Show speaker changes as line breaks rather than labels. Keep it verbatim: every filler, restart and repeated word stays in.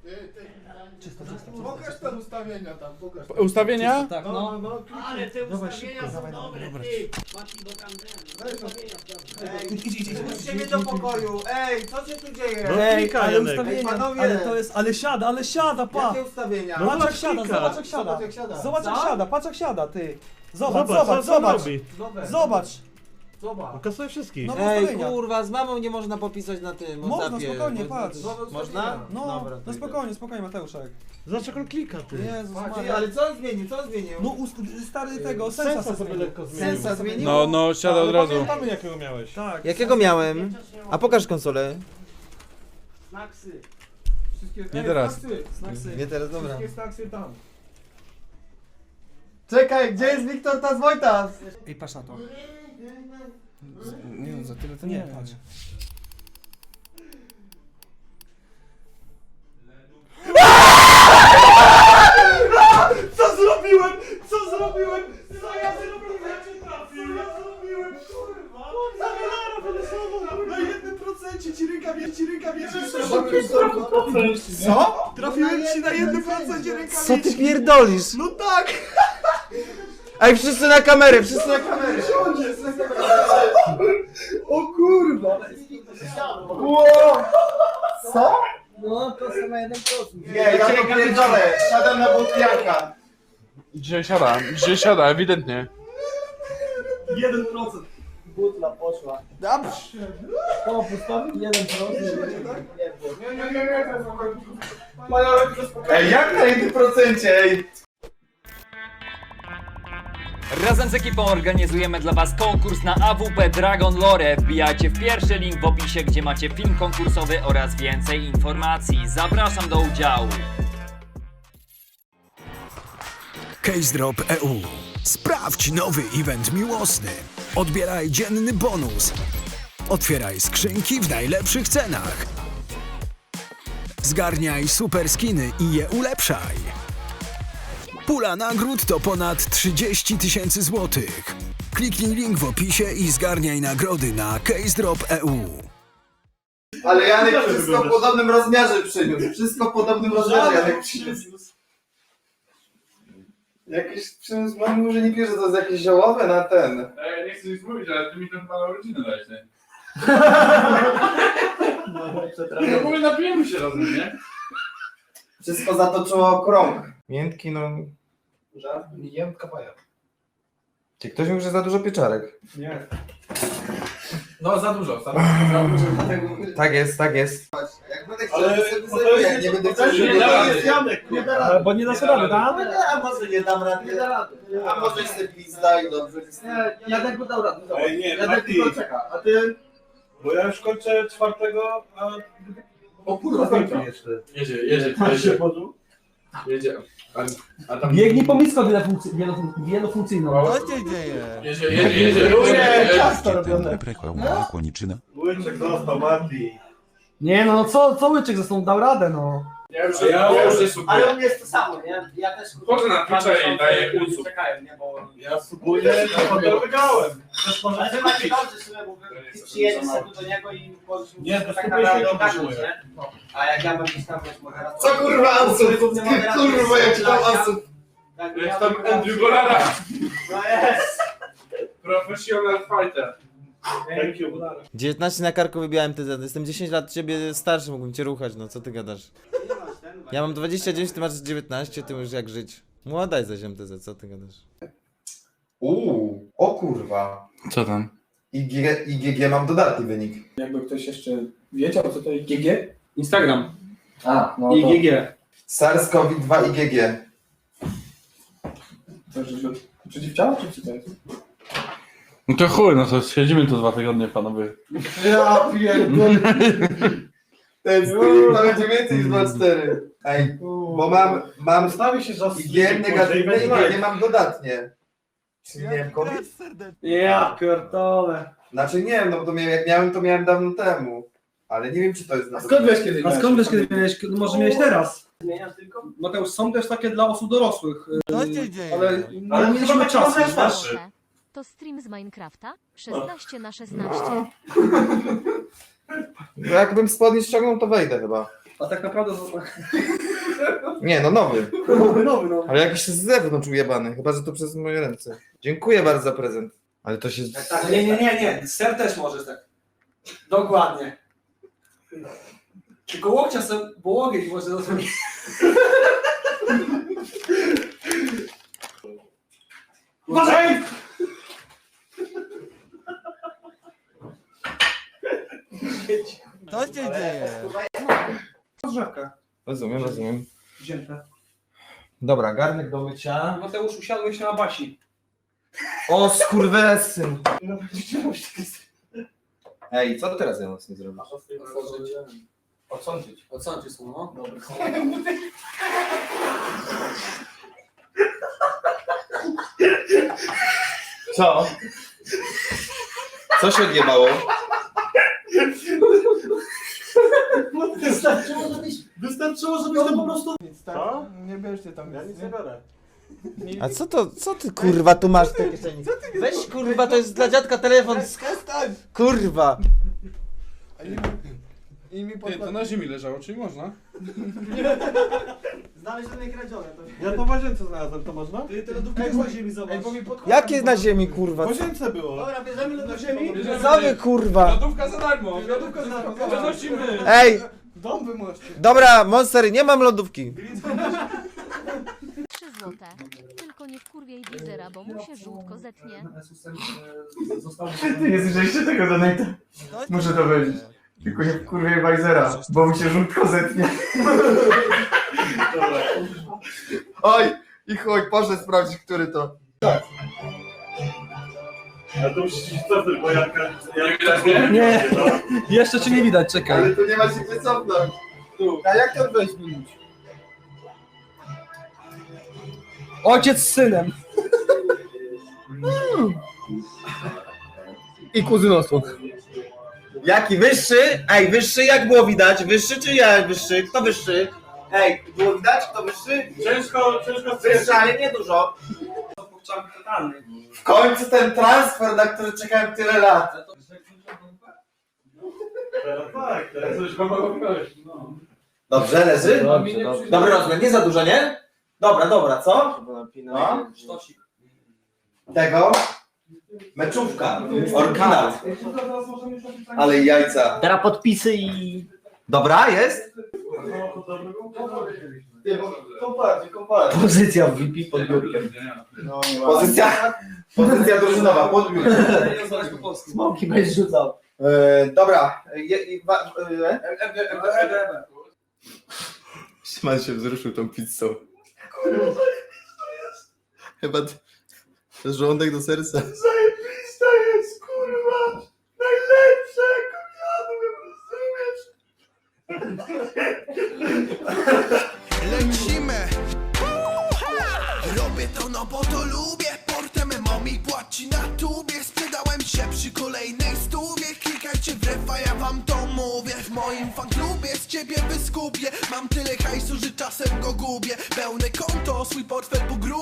Czysto, czysto.
Pokaż te ustawienia tam, pokaż.
Ustawienia?
Tak,
No,
no.
no, no.
Ale te
Dawaj,
ustawienia
szybko,
są
dawaj,
dobre,
dobra.
ty! Mati, bo tam ten, ustawienia sprawdzę.
Ej,
Idź, idź, idź, idź.
puśćcie mnie do pokoju. Ej, co się tu dzieje?
No,
Ej,
klikaj,
ale
Janek.
ustawienia,
Ej, panowie.
ale to jest, ale siada, ale siada, pa!
Jakie ustawienia?
No,
Patrz jak
zobacz,
siada,
klika.
zobacz jak siada.
Zobacz jak siada.
Zobacz jak
Co?
siada, patrz jak siada, ty. Zobacz,
Zobacz,
zobacz,
co on
zobacz.
robi.
Zobacz.
Zobacz.
Zobacz.
Kasuje wszystkich.
No.
Ej,
ustawienia.
kurwa, z mamą nie można popisać na tym
Można,
WhatsAppie.
spokojnie,
Mo-
patrz.
Zobacz
Można?
ustawienia.
No,
Dobra, to
no
idę.
spokojnie, spokojnie Mateuszek.
Zobacz jak on klika, ty.
Jezus
Patrz,
Maria.
ale co on zmienił? Co on zmienił?
No ust- stary tego, sensa,
Sensa
sobie
sobie
zmienił.
lekko zmienił.
Sensa zmienił?
No, no, siada od razu. Pamiętamy jakiego miałeś.
Tak.
Jakiego miałem? A pokaż konsolę.
Snacksy.
Wszystkie...
Nie
Ej,
teraz.
Snacksy.
Snacksy.
Nie teraz, dobra.
Wszystkie snacksy tam.
Czekaj, gdzie jest Wiktor Tas Wojtas?
Ej, patrz na to. Nie no, za tyle to nie, patrz.
Co zrobiłem? Co zrobiłem? Co ja zrobiłem? Ja cię trafiłem. Ja zrobiłem, kurwa. Zamiara wylosował. Na jednym procencie ci rękawie, ci rękawie.
Co?
Trafiłem ci na jednym procencie rękawie.
Co ty pierdolisz?
No tak.
Ej, wszyscy na kamerę, wszyscy na kamerę.
O kurwa! Co?
No, to są na jeden procent.
Nie, ja to pierdolę. Siadam na butliaka.
Dzisiaj siada, dzisiaj siada, ewidentnie.
jeden procent.
Butla poszła.
Dobrze.
To postawił jeden procent.
Nie, nie, nie, nie. Ej, jak na jednym procencie, ej?
Razem z ekipą organizujemy dla Was konkurs na A W P Dragon Lore. Wbijajcie w pierwszy link w opisie, gdzie macie film konkursowy oraz więcej informacji. Zapraszam do udziału.
CaseDrop kropka e u. Sprawdź nowy event miłosny. Odbieraj dzienny bonus. Otwieraj skrzynki w najlepszych cenach. Zgarniaj super skiny i je ulepszaj. Pula nagród to ponad trzydzieści tysięcy złotych. Kliknij link w opisie i zgarniaj nagrody na CaseDrop kropka e u.
Ale Janek wszystko w podobnym rozmiarze przyniósł. Wszystko w podobnym rozmiarze Janek przyniósł. Jakiś przyniósł, mam mówił, że nie bierze, to jest jakieś ziołowe na ten.
Ej, nie chcę nic mówić, ale ty mi to chyba na rodzinę dałeś, nie? No w ogóle napijemy się razem, nie?
Wszystko zatoczyło krąg. Miętki, no... Jem kawaja.
Czy ktoś mówi, że za dużo pieczarek?
Nie. No za dużo, za dużo.
Tak jest, tak jest.
Jak będę chciał, to sobie zrobię, jak nie będę chciał,
Nie da rady.
Janek,
nie da rady.
Bo nie dasz rady, tak?
A może nie dam rady. Nie da rady. A może sobie pizda i dobrze. Nie, Janek by dał radę.
Ej, nie,
Janek
Mati,
tylko czeka, a ty...
bo ja już kończę czwartego, a...
O kurwa,
kończę jeszcze.
Jedzie, jedzie, jedzie. Jedzie. A, a tam...
Biegnij po misko wielofunkcyjną.
się dzieje?
Jedzie, jedzie, jedzie.
Nie, ciasto robione.
Łyczek został, Mati.
Nie no, co, co łyczek zresztą dał radę, no.
Ja już, ja już jest super.
Ale u mnie jest to samo, nie? Ja też...
Chodzę na Twitcha i daję uców.
Czekają, nie? Bo...
Ja subuję, to potem wygrałem.
Ale wy macie dobrze, sobie, bo wy przyjedziesz sobie do niego i możesz
Nie, to
tak
skupię się
naprawdę
na
ogarnąć,
tym,
nie? A jak ja bym gdzieś tam wiesz, moderator...
Co kurwa Ansel? Kurwa, jaki tam Ansel?
Tak,
Jest
ja
tam
bym-
Andrew Golara.
No jest!
Professional fighter.
Thank you.
dziewiętnaście na karku wybijałem T Z. Jestem dziesięć lat ciebie starszy, mógłbym cię ruchać, no co ty gadasz? Ja mam dwadzieścia dziewięć, ty masz dziewiętnaście, ty już jak żyć. Młoda jesteś M T Z, co ty gadasz?
Uuu, o kurwa.
Co tam?
I G, I G G mam dodatni wynik.
Jakby ktoś jeszcze wiedział, co to I G G? Instagram.
A, no
I G G.
SARS-CoV dwa I G G.
To jest przeciwciała, czy co to jest?
No to chuj, no to siedzimy tu dwa tygodnie, panowie.
Ja pierdolę. Ten stream to będzie więcej niż dwa cztery. Ej, bo mam, mam
Stawi się, że
I G negatywne i G G mam dodatnie. Czy nie wiem, COVID?
Ja pierdolę.
Znaczy nie wiem, no bo to miałem, jak miałem, to miałem dawno temu. Ale nie wiem, czy to jest na
Skąd wiesz, kiedy
A skąd wiesz, kiedy miałeś, może miałeś teraz?
Zmieniasz tylko?
Mateusz, są też takie dla osób dorosłych,
Co się dzieje?
ale
Ale
nie mieliśmy czasu, wiesz?
starszy.
To stream z Minecrafta szesnaście na szesnaście.
Bo jakbym spodnie ściągnął, to wejdę chyba.
A tak naprawdę...
Nie, no nowy.
Nowy, nowy, nowy.
Ale jakiś z zewnątrz ujebany, chyba że to przez moje ręce. Dziękuję bardzo za prezent. Ale to się...
Tak, nie, nie, nie, nie. Ser też możesz tak. Dokładnie. Tylko łokcia sobie, bo łokieć może zrobić. Uważaj!
Co się dzieje?
Rozrzewka.
Rozumiem, rozumiem.
Wzięte.
Dobra, garnek do mycia.
Mateusz, usiadłeś na Basi.
O, skurwesyn!
No, widziałeś takie...
Ej, co teraz ja mocno zrobię?
Otworzyć.
Odsądzić.
Odsądzić są, no. Dobra.
Co? Co się odjebało?
Wystarczyło, żebyś, wystarczyło, żebyś to po prostu...
Co? Nie bierzcie tam
Ja
nic,
nic
nie?
nie biorę.
A co to, co ty kurwa tu masz w tej kieszeni? Weź kurwa, to jest dla dziadka telefon.
Przestań!
Kurwa.
I mi Ty, to na ziemi leżało, czyli można?
Znalezione kradzione. To...
Ja to w łazience znalazłem, to można?
Ty te lodówki też na ziemi zobacz.
Ej, bo mi podkład-
Jakie na ziemi
W
kurwa?
łazience było.
Dobra, bierzemy lód do ziemi.
Co wy kurwa?
Lodówka za darmo! Lodówka za darmo!
Przenosimy.
Ej,
Dom wymoście.
dobra, Monster, nie mam lodówki.
trzy złote. Tylko nie wkurwiej wizera, bo mu się żółtko zetnie.
Ty nie słyszeliście tego donate'a? Muszę to powiedzieć. Tylko nie wkurwiej Wajzera, bo mi się żółtko zetnie. Oj, i chuj, poszedł sprawdzić, który to.
A to musisz iść cofnąć, bo Janka... Janka
Nie, jeszcze cię nie widać, czekaj.
Ale tu nie ma się gdzie cofnąć. A jak to wejść minut?
Ojciec z synem.
I kuzynostwo. Jaki wyższy? Ej, wyższy jak było widać? Wyższy czy ja wyższy? Kto wyższy? Ej, było widać kto wyższy?
Ciężko, ciężko
Wyższy, ale nie dużo. W końcu ten transfer, na który czekałem tyle lat.
Tak, teraz coś wam mogę powiedzieć. No.
Dobrze, leży? Dobry rozmiar, nie za dużo, nie? Dobra, dobra, co? No. Tego? Meczówka, oryginał. Ale jajca.
Teraz podpisy i...
Dobra, jest?
Komparcie, komparcie.
Pozycja w V P pod biurkiem.
Pozycja, pozycja drużynowa, podbiór.
Smoki będziesz rzucał.
E, dobra. Je, je, wa, e, e, Szymon się wzruszył tą pizzą. Chyba t- to jest żołądek do serca.
Zajebista jest, kurwa! Najlepsze, jak jadłem, rozumiesz?
Lecimy! Robię to no bo to lubię. Portem mami płaci na tubie. Sprzedałem się przy kolejnej stówie. Klikajcie w refa, ja wam to mówię. W moim fanklubie z ciebie wyskupię. Mam tyle hajsu, że czasem go gubię. Pełne konto, swój portfel po grubie.